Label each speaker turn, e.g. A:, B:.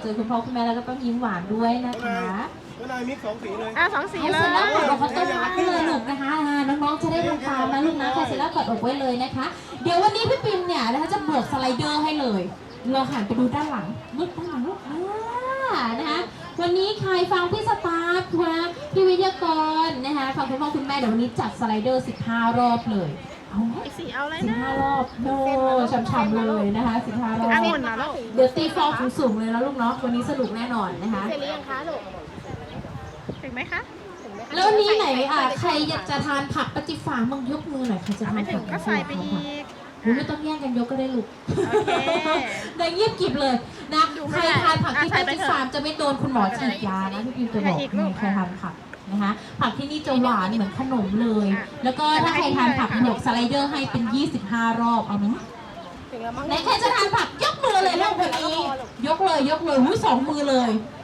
A: อคุณพ่อคุณแม่แล้วก็ต้องยิ้มหวานด้วยนะคะ
B: นายมิก2 สีเลย
C: 2 สีเล
A: เสร็จแล้วกด
C: ย
A: อกเขาต้มมัดเลยลูกนะคะน้องๆจะได้ทำตามนะลูกนะใครเสร็จแล้วกดอกไว้เลยนะคะเดี๋ยววันนี้พี่ปิมเนี่ยนะคะจะบวกสไลเดอร์ให้เลยเราหันไปดูด้านหลังลูกด้านหลังลูกนะคะวันนี้ใครฟังพี่สตาร์พี่วิทยากรนะคะฟังคุณพ่อคุณแม่เดี๋ยววันนี้จัดสไลเดอร์15 รอบเลยเอาไหม
C: สีเอาอะไรนะ
A: 15 รอบโดช่ำๆเลยนะคะ15 รอบ
C: องุ่นนะลูก
A: เดี๋ยวตีฟองสูงๆเลยนะลูกเนาะวันนี้สนุกแน่นอนนะคะ
D: เสร็จหรือยังคะลูก
C: ถึงไหมคะ
A: แล้ววันนี้ไหนใครอยากจะทานผักปฏิฝามึงยกมือหน่อยใครจะทา
C: ไม่
A: น
C: ถึ
A: ผั
C: ง
A: ก
C: ก็ใส่ไปอีก
A: ไม่ต้องแย่งกันยกก็ได้ลูก
C: โอเค
A: ได้เงียบกริบเลยนะ
C: ดู
A: ใค
C: ไม่
A: ร
C: ได้
A: ทานผักที่
C: ใส่
A: ป
C: ไป
A: ฏิ
C: เถอะ
A: ฝาจะไม่โดนคุณหมอฉีดยานะพี่พิมจะบอก
C: ใส่อีกลูก
A: ใครทานผักนะคะผักที่นี่จะหวานเหมือนขนมเลย
C: อ่ะ
A: แล้วก็ถ้าใครทานผักบวกสไลเดอร์ให้เป็น25 รอบเอาไหม
D: ถึงแล้วมั้ง
A: ไหนใครจะทานผักยกมือเลยลูกวันนี้ยกเลยหุ้ย2 มือเลย